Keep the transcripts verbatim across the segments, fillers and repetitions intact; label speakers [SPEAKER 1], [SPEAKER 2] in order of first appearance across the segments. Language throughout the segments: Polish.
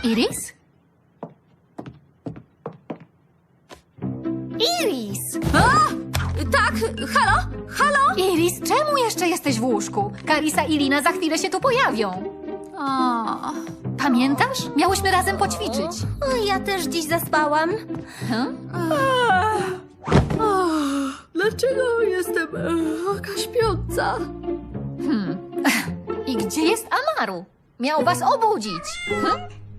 [SPEAKER 1] Iris?
[SPEAKER 2] Iris!
[SPEAKER 1] A! Tak, halo? Halo? Iris, czemu jeszcze jesteś w łóżku? Karisa i Lina za chwilę się tu pojawią. O, pamiętasz? Miałyśmy razem poćwiczyć.
[SPEAKER 2] O, ja też dziś zaspałam.
[SPEAKER 1] Hm?
[SPEAKER 3] Dlaczego jestem e, taka śpiąca?
[SPEAKER 1] I gdzie jest Amaru? Miał was obudzić. Hm?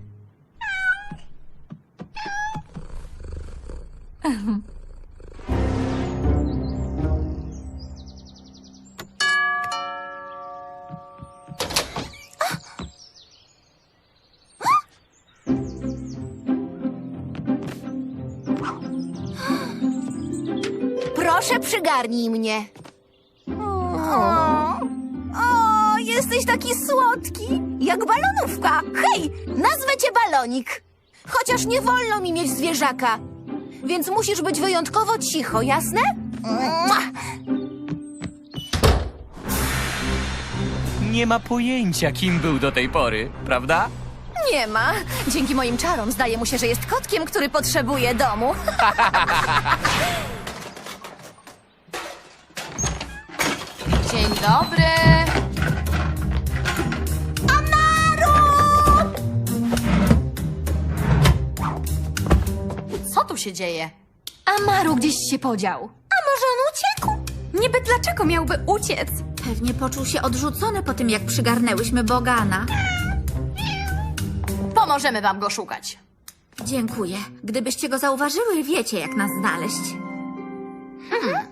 [SPEAKER 2] Proszę, przygarnij mnie. O, o, jesteś taki słodki, jak balonówka. Hej, nazwę cię Balonik. Chociaż nie wolno mi mieć zwierzaka, więc musisz być wyjątkowo cicho, jasne? Mua.
[SPEAKER 4] Nie ma pojęcia, kim był do tej pory, prawda?
[SPEAKER 2] Nie ma. Dzięki moim czarom zdaje mu się, że jest kotkiem, który potrzebuje domu.
[SPEAKER 1] Dzień dobry.
[SPEAKER 5] Co tu się dzieje?
[SPEAKER 1] Amaru gdzieś się podział.
[SPEAKER 2] A może on uciekł?
[SPEAKER 5] Niby dlaczego miałby uciec?
[SPEAKER 6] Pewnie poczuł się odrzucony po tym, jak przygarnęłyśmy Bogana.
[SPEAKER 5] Pomożemy wam go szukać.
[SPEAKER 6] Dziękuję. Gdybyście go zauważyły, wiecie, jak nas znaleźć.
[SPEAKER 2] Hmm.